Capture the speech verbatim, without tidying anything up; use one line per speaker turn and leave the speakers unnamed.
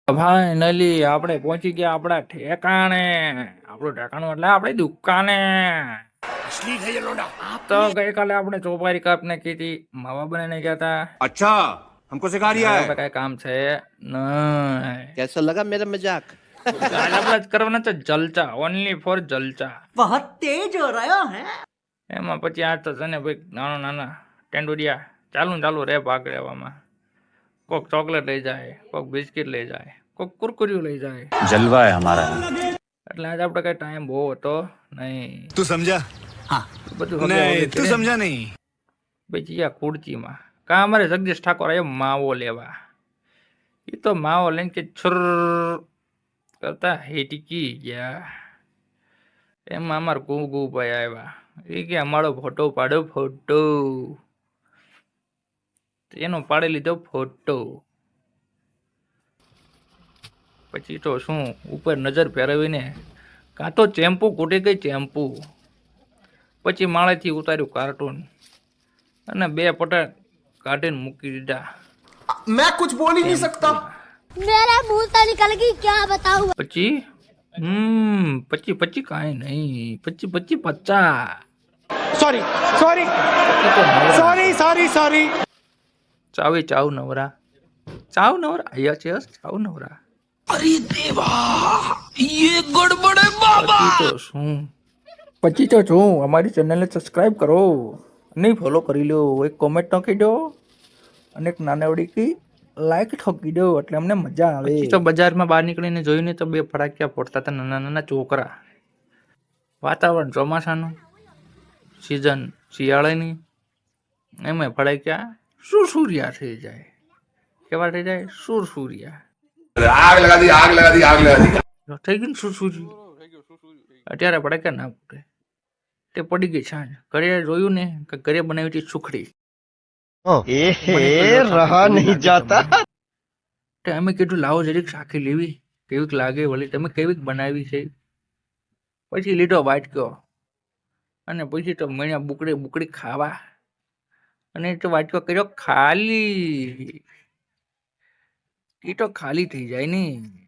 Finally આપણે પહોંચી ગયા આપણા ઠેકાણે. આપણું ઠેકાણું એટલે આપણી દુકાને. તો ગઈકાલે આપણે ચોપારી કાપ ને કીધી માવા બનાવીને ગયા હતા.
अच्छा हमको सिखा रिया है
આપણે કઈ કામ છે નહીં.
कैसा लगा मेरा मजाक?
કાલે આપણે જ કરવાના છે જલચા, ઓનલી ફોર જલચા.
बहुत तेज हो रहा है.
એમાં પછી આ તો છે ને ભાઈ નાના નાના ટેન્ડુરિયા ચાલુ ચાલુ રે ભાગ લેવામાં. કોક ચોકલેટ લઈ જાય, કોક બિસ્કિટ લઈ જાય, કોક કુરકુરિયું લઈ જાય.
जलवा है हमारा
એટલે આજે આપણે કઈ ટાઈમ બહુ હતો નહીં.
तू समझा
બધું
नहीं तू समझा नहीं
પછી આ ખુરચીમાં કા અમારે જગદીશ ઠાકોર આવ્યો માવો લેવા. એ તો માવો લઈને કે છુર કરતા હેટકી ગયા. એમાં અમારા ગુગુ ભાઈ આવ્યા. એ કે અમારો ફોટો પાડો ફોટો. એનો પાડી લીધો ફોટો. પછી તો શું ઉપર નજર ફેરવીને કાં તો ચેમ્પુ કૂટી ગઈ ચેમ્પુ. પછી માળેથી ઉતાર્યું કાર્ટૂન અને બે પટા કાઢીને મૂકી દીધા.
मैं कुछ बोल ही नहीं सकता.
मेरा मुंह से निकल गई क्या बताऊं.
પછી હમ પછી પછી કાંઈ નહીં. પછી પછી પચાસ
sorry sorry sorry sorry sorry.
ચાવી ચાવ નવરા ચાવ નવરા અહીંયા છે ચાવ નવરા. અરે દેવા ये गड़बड़ है बाबा. પછી તો શું પછી તો શું અમારી ચેનલને સબસ્ક્રાઇબ કરો અને ફોલો કરી લો. એક કોમેન્ટ નાખી દો અને એક નાનવડી કી લાઈક ઠોકી દો એટલે અમને મજા આવે. પછી તો બજારમાં બહાર નીકળીને જોઈને તો બે ફટાકિયા ફોડતા હતા નાના નાના છોકરા. વાતાવરણ ચોમાસાનું, સિઝન શિયાળાની, એમાં ફટાકિયા સુરસુરિયા થઈ જાય. કેવા થઈ જાય? સુરસુરિયા.
आग लगा दी आग लगा दी आग लगा दी
થઈ ગયું સુરસુરી. અત્યારે ફટાકિયા ના ફૂટે. તે પડી ગઈ સાંજ. ઘરે જોયું ને કે ઘરે બનાવી હતી સુખડી.
रहा नहीं जाता.
અમે કીધું લાવો જરીક શાખી લેવી કેવીક લાગે વળી તમે કેવીક બનાવી છે. પછી લીધો વાટક્યો અને પછી તો મેળ્યા બુકડી બુકડી ખાવા અને તો વાટકો કર્યો ખાલી. એ તો ખાલી થઈ જાય ને.